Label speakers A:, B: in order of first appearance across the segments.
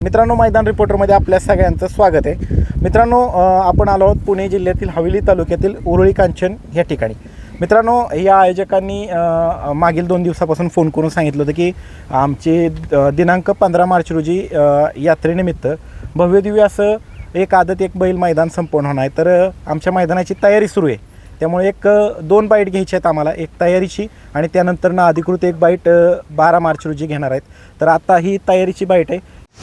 A: मित्रांनो, मैदान रिपोर्टरमध्ये आपल्या सगळ्यांचं स्वागत आहे. मित्रांनो, आपण आलो आहोत पुणे जिल्ह्यातील हवेली तालुक्यातील उरुळी कांचन या ठिकाणी. मित्रांनो, या आयोजकांनी मागील 2 दिवसापासून फोन करून सांगितलं होतं की आमचे दिनांक 15 मार्च रोजी यात्रेनिमित्त भव्यदिव्य असं एक आदत एक बैल मैदान संपन्न होणार आहे. तर आमच्या मैदानाची तयारी सुरू आहे. त्यामुळे 2 बाईट घ्यायची आहेत आम्हाला, एक तयारीची आणि त्यानंतर ना अधिकृत एक बाईट 12 मार्च रोजी घेणार आहेत. तर आता ही तयारीची बाईट आहे.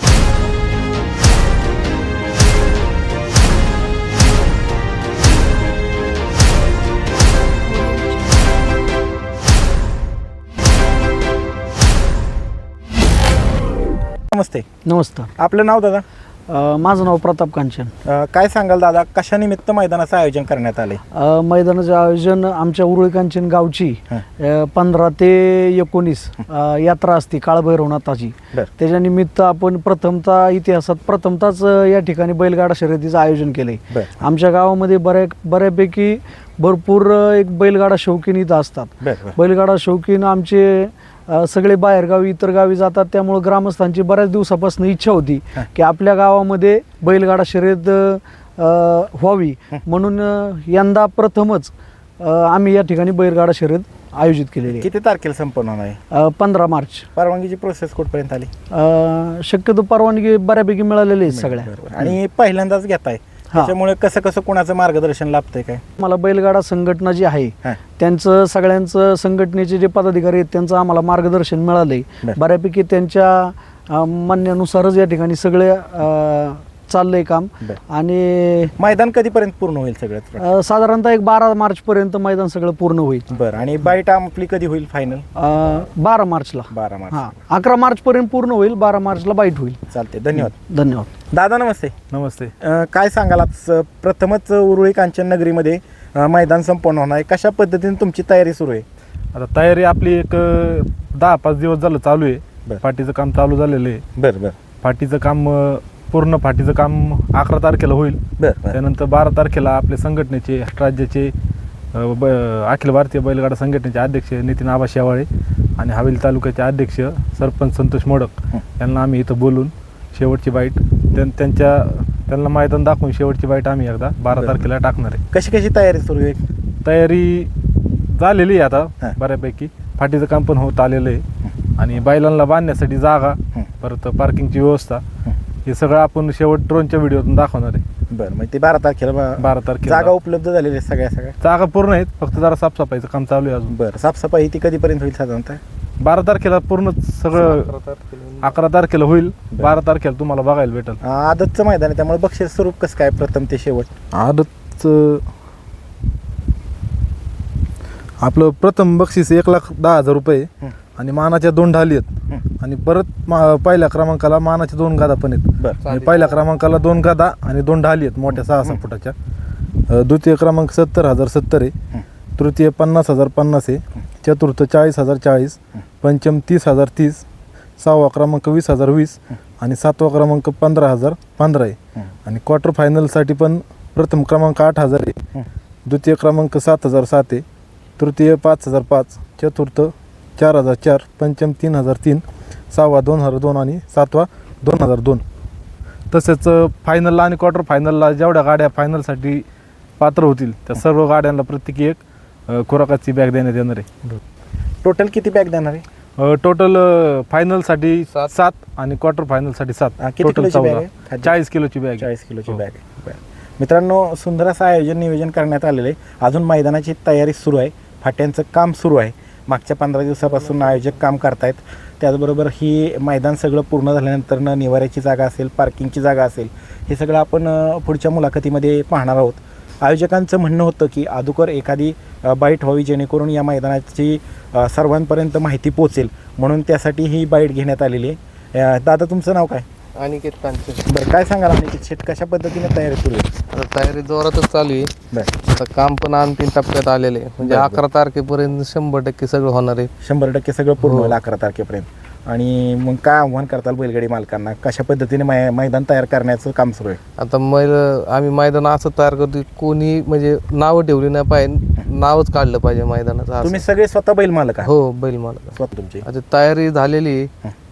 A: नमस्ते.
B: नमस्कार.
A: आपलं नाव दादा?
B: माझं नाव प्रताप कांचन.
A: काय सांगाल दादा, कशानिमित्त मैदानाचं आयोजन करण्यात आले?
B: मैदानाचं आयोजन आमच्या उरुळी कांचन गावची 15 ते 19 यात्रा असते काळभैरवनाथाची. त्याच्यानिमित्त आपण प्रथमताच या ठिकाणी बैलगाडा शर्यतीचं आयोजन केलंय. आमच्या गावामध्ये बऱ्यापैकी भरपूर एक बैलगाडा शौकीन इथं असतात. बैलगाडा शौकीन आमचे सगळे बाहेरगावी इतर गावी जातात. त्यामुळे ग्रामस्थांची बऱ्याच दिवसापासून इच्छा होती की आपल्या गावामध्ये बैलगाडा शर्यत व्हावी, म्हणून यंदा प्रथमच आम्ही या ठिकाणी बैलगाडा शर्यत आयोजित केलेली.
A: किती तारखेला संपन्न होणार आहे?
B: 15 मार्च.
A: परवानगीची प्रोसेस कुठपर्यंत आली?
B: शक्यतो परवानगी बऱ्यापैकी मिळालेली आहे सगळ्या.
A: आणि पहिल्यांदाच घेताय, त्याच्यामुळे कसं कोणाचं मार्गदर्शन लाभतंय काय?
B: मला बैलगाडा संघटना जी आहे त्यांचं सगळ्यांचं संघटनेचे जे पदाधिकारी आहेत त्यांचं आम्हाला मार्गदर्शन मिळालंय. बऱ्यापैकी त्यांच्या म्हणण्यानुसारच या ठिकाणी सगळे चाललंय काम. आणि
A: मैदान कधीपर्यंत पूर्ण होईल सगळं?
B: साधारणतः एक 12 मार्च पर्यंत मैदान सगळं पूर्ण होईल.
A: बरं. आणि बाईट आपली कधी होईल फायनल?
B: 12 मार्चला.
A: 12 मार्च.
B: 11 मार्च पर्यंत पूर्ण होईल, 12 मार्चला बाईट होईल.
A: चालते. धन्यवाद.
B: धन्यवाद
A: दादा. नमस्ते.
C: नमस्ते.
A: काय सांगाल, आज प्रथमच उरुळी कांचन नगरीमध्ये मैदान संपन्न होणार आहे. कशा पद्धतीने तुमची तयारी सुरू आहे?
C: आता तयारी आपली एक 10-5 दिवस झालं चालू आहे. फाटीचं काम चालू झालेलं आहे.
A: बरं.
C: फाटीचं काम पूर्ण फाटीचं काम 11 तारखेला होईल. त्यानंतर 12 तारखेला आपले संघटनेचे राज्याचे अखिल भारतीय बैलगाडा संघटनेचे अध्यक्ष नितीन आबा शेवाळे आणि हवेली तालुक्याचे अध्यक्ष सरपंच संतोष मोडक यांना आम्ही इथं बोलून शेवटची बाईट त्यांना मैदान दाखवून शेवटची बाईट आम्ही एकदा 12 तारखेला टाकणार आहे.
A: कशी तयारी सुरू आहे?
C: तयारी झालेली आहे आता बऱ्यापैकी. फाटीचं काम पण होत आलेलं आहे आणि बैलांना बांधण्यासाठी जागा, परत पार्किंगची व्यवस्था, हे सगळं आपण शेवट ड्रोनच्या व्हिडिओतून दाखवणार आहे.
A: बरं. मग ते 12 तारखेला जागा उपलब्ध झालेली आहे? सगळ्या
C: जागा पूर्ण आहेत, फक्त जरा साफसफाईचं काम चालू आहे अजून.
A: बरं. साफसफाई ती कधीपर्यंत होईल साधारणतः?
C: 12 तारखेला पूर्ण सगळं. 11 तारखेला होईल, 12 तारखेला तुम्हाला बघायला भेटेल.
A: आदतचं मैदान आहे त्यामुळे बक्षीस स्वरूप कसं काय प्रथम ते शेवट?
C: आदतचं आपलं प्रथम बक्षीस 1,10,000 रुपये आणि मानाच्या 2 ढाली आहेत. आणि परत पहिल्या क्रमांकाला मानाच्या 2 गादा पण आहेत. आणि पहिल्या क्रमांकाला 2 गादा आणि 2 ढाली आहेत मोठ्या 6-6 फुटाच्या. द्वितीय क्रमांक 70,070 आहे. तृतीय 50,050 आहे. चतुर्थ 40,040. पंचम 30,030. 6वा क्रमांक 20,020 आणि 7वा क्रमांक 15,015 आहे. आणि क्वार्टर फायनलसाठी पण प्रथम क्रमांक 8,000 आहे. द्वितीय क्रमांक 7,007 आहे. तृतीय 5,005. चतुर्थ 4,004. पंचम 3,003. 6वा 2,002 आणि 7वा 2,002. तसेच फायनलला आणि क्वार्टर फायनलला जेवढ्या गाड्या फायनलसाठी पात्र होतील त्या सर्व गाड्यांना प्रत्येकी एक खुराकाची बॅग देण्यात येणार आहे.
A: टोटल किती बॅग देणार आहे?
C: टोटल फायनलसाठी 7 आणि क्वार्टर फायनलसाठी 7. टोटल 40 किलोची बॅग.
A: 40 किलोची बॅग आहे. मित्रांनो, सुंदर असं आयोजन नियोजन करण्यात आलेलं आहे. अजून मैदानाची तयारी सुरू आहे, फाट्यांचं काम सुरू आहे. मागच्या 15 दिवसापासून आयोजक काम करतायत. त्याचबरोबर ही मैदान सगळं पूर्ण झाल्यानंतर निवाऱ्याची जागा असेल, पार्किंगची जागा असेल, हे सगळं आपण पुढच्या मुलाखतीमध्ये पाहणार आहोत. आयोजकांचं म्हणणं होतं की अगोदर एखादी बाईट व्हावी जेणेकरून या मैदानाची सर्वांपर्यंत माहिती पोचेल, म्हणून त्यासाठी ही बाईट घेण्यात आलेली आहे. दादा, तुमचं नाव काय?
D: अनिकेत कांचन.
A: बरं. काय सांगाल अनिकेत शेट, कशा पद्धतीने तयारी सुरू आहे?
D: आता तयारी जोरातच चालू आहे. आता काम पण अंतिम टप्प्यात आलेले आहे. म्हणजे 11 तारखेपर्यंत 100% सगळं होणार आहे.
A: 100% सगळं पूर्ण होईल 11 तारखेपर्यंत. आणि मग काय आव्हान करताल बैलगाडी मालकांना? कशा पद्धतीने मैदान तयार करण्याचं काम सुरू आहे?
D: आता आम्ही मैदान असं तयार करतो, कोणी म्हणजे नावं ठेवली नाही पाहिजे, नावच काढलं पाहिजे मैदानाचं.
A: तुम्ही सगळे स्वतः बैल मालक आहात?
D: हो, बैल मालक
A: स्वतः तुमची
D: आता तयारी झालेली आहे.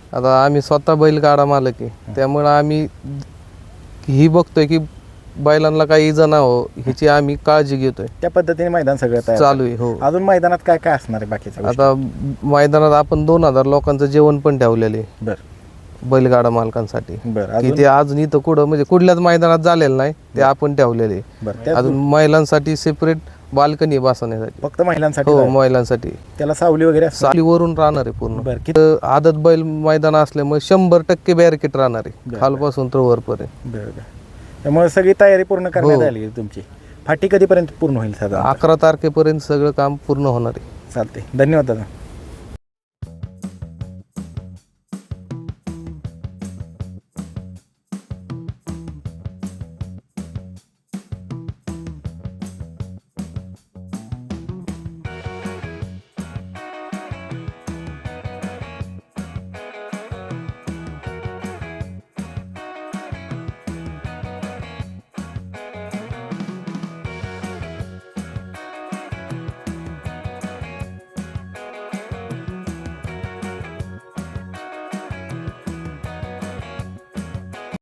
D: आता आम्ही स्वतः बैलगाडा मालक आहे, त्यामुळे आम्ही ही बघतोय की बैलांना काही इजा ना हो ह्याची आम्ही काळजी घेतोय.
A: त्या पद्धतीने मैदान सगळं तयार
D: चालू आहे. हो,
A: अजून मैदानात काय काय असणार आहे बाकीचं?
D: आता मैदानात आपण 2000 लोकांचं जेवण पण ठेवलेले
A: बरं
D: बैलगाडा मालकांसाठी,
A: बरं
D: की
A: अजून
D: ते अजून इथं कुठं म्हणजे कुठल्याच मैदानात झालेलं नाही, ते आपण ठेवलेले.
A: बरं त्या
D: अजून महिलांसाठी सेपरेट बाल्कनी बसवण्यासाठी.
A: फक्त महिलांसाठी
D: हो,
A: आहे.
D: महिलांसाठी
A: त्याला सावली वगैरे असते?
D: सालीवरून राहणार आहे पूर्ण.
A: बरं किती?
D: आदत बैल मैदान असल्यामुळे 100% बॅरिकेड राहणार आहे खालपासून तर वरपर्यंत.
A: बरं बरं. त्यामुळे सगळी तयारी पूर्ण करण्यात
D: हो.
A: आली आहे तुमची. फाटी कधीपर्यंत पूर्ण होईल साधारण?
D: 11 तारखेपर्यंत सगळं काम पूर्ण होणार आहे.
A: चालते. धन्यवाद दादा.